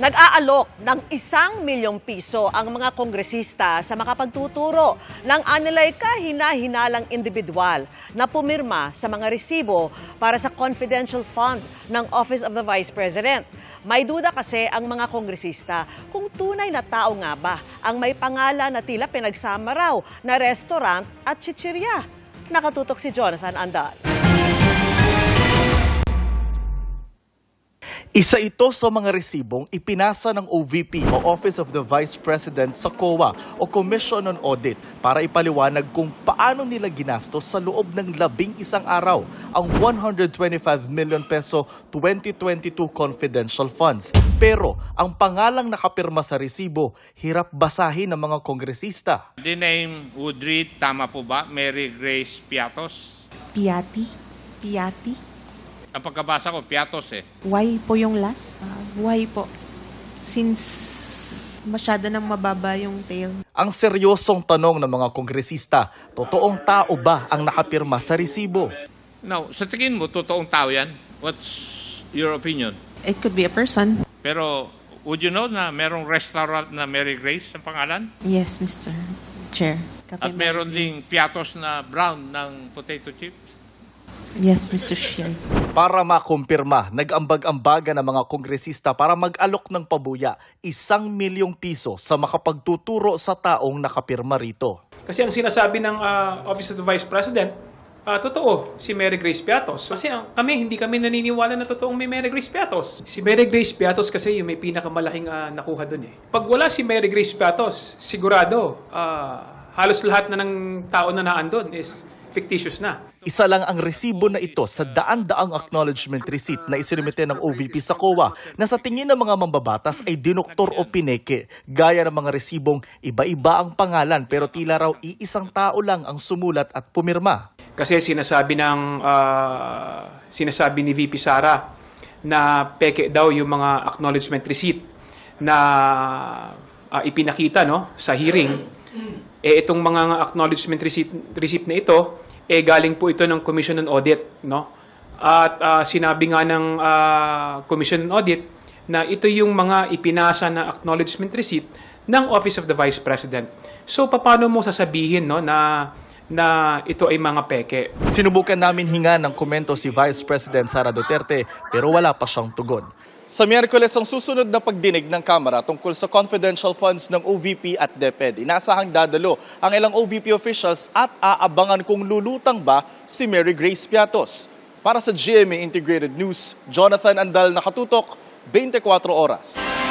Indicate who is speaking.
Speaker 1: Nag-aalok ng 1 milyong piso ang mga kongresista sa makapagtuturo ng anilay kahina-hinalang individual na pumirma sa mga resibo para sa confidential fund ng Office of the Vice President. May duda kasi ang mga kongresista kung tunay na tao nga ba ang may pangalan na tila pinagsama raw na restaurant at chichirya. Nakatutok si Jonathan Andal.
Speaker 2: Isa ito sa mga resibong ipinasa ng OVP o Office of the Vice President sa COA o Commission on Audit para ipaliwanag kung paano nila ginastos sa loob ng 11 araw ang 125 million peso 2022 confidential funds. Pero ang pangalang nakapirma sa resibo, hirap basahin ng mga kongresista.
Speaker 3: The name would read, tama po ba, Mary Grace Piatos?
Speaker 4: Piati.
Speaker 3: Ang pagkabasa ko, Piatos eh.
Speaker 4: Why po yung last? Why po? Since masyado nang mababa yung tail.
Speaker 2: Ang seryosong tanong ng mga kongresista, totoong tao ba ang nakapirma sa resibo?
Speaker 3: Now, sa tingin mo, totoong tao yan? What's your opinion?
Speaker 4: It could be a person.
Speaker 3: Pero, would you know na merong restaurant na Mary Grace ang pangalan?
Speaker 4: Yes, Mr. Chair. Kape
Speaker 3: At meron
Speaker 4: Mary
Speaker 3: ding
Speaker 4: Grace.
Speaker 3: Piatos na brown ng potato chips?
Speaker 4: Yes, Mr. Chair.
Speaker 2: Para makumpirma, nag-ambag-ambaga ng mga kongresista para mag-alok ng pabuya 1 milyong piso sa makapagtuturo sa taong nakapirma rito.
Speaker 5: Kasi ang sinasabi ng Office of the Vice President, totoo, si Mary Grace Piatos. Kasi hindi kami naniniwala na totoong may Mary Grace Piatos. Si Mary Grace Piatos kasi yung may pinakamalaking nakuha dun eh. Pag wala si Mary Grace Piatos, sigurado, halos lahat na ng tao na naandun is fictitious na.
Speaker 2: Isa lang ang resibo na ito sa daan-daang acknowledgement receipt na isinumite ng OVP sa COA na sa tingin ng mga mambabatas ay dinoktor o pineke. Gaya ng mga resibong iba-iba ang pangalan pero tila raw iisang tao lang ang sumulat at pumirma.
Speaker 5: Kasi sinasabi ni VP Sara na peke daw yung mga acknowledgement receipt na ipinakita sa hearing. Itong mga acknowledgement receipt na ito, galing po ito ng Commission on Audit. At sinabi nga ng Commission on Audit na ito yung mga ipinasa na acknowledgement receipt ng Office of the Vice President. So, paano mo sasabihin na ito ay mga peke?
Speaker 2: Sinubukan namin hinga ng komento si Vice President Sara Duterte pero wala pa siyang tugon. Sa Miyerkules ang susunod na pagdinig ng Kamara tungkol sa confidential funds ng OVP at DepEd. Inasahang dadalo ang ilang OVP officials at aabangan kung lulutang ba si Mary Grace Piatos. Para sa GMA Integrated News, Jonathan Andal, nakatutok, 24 oras.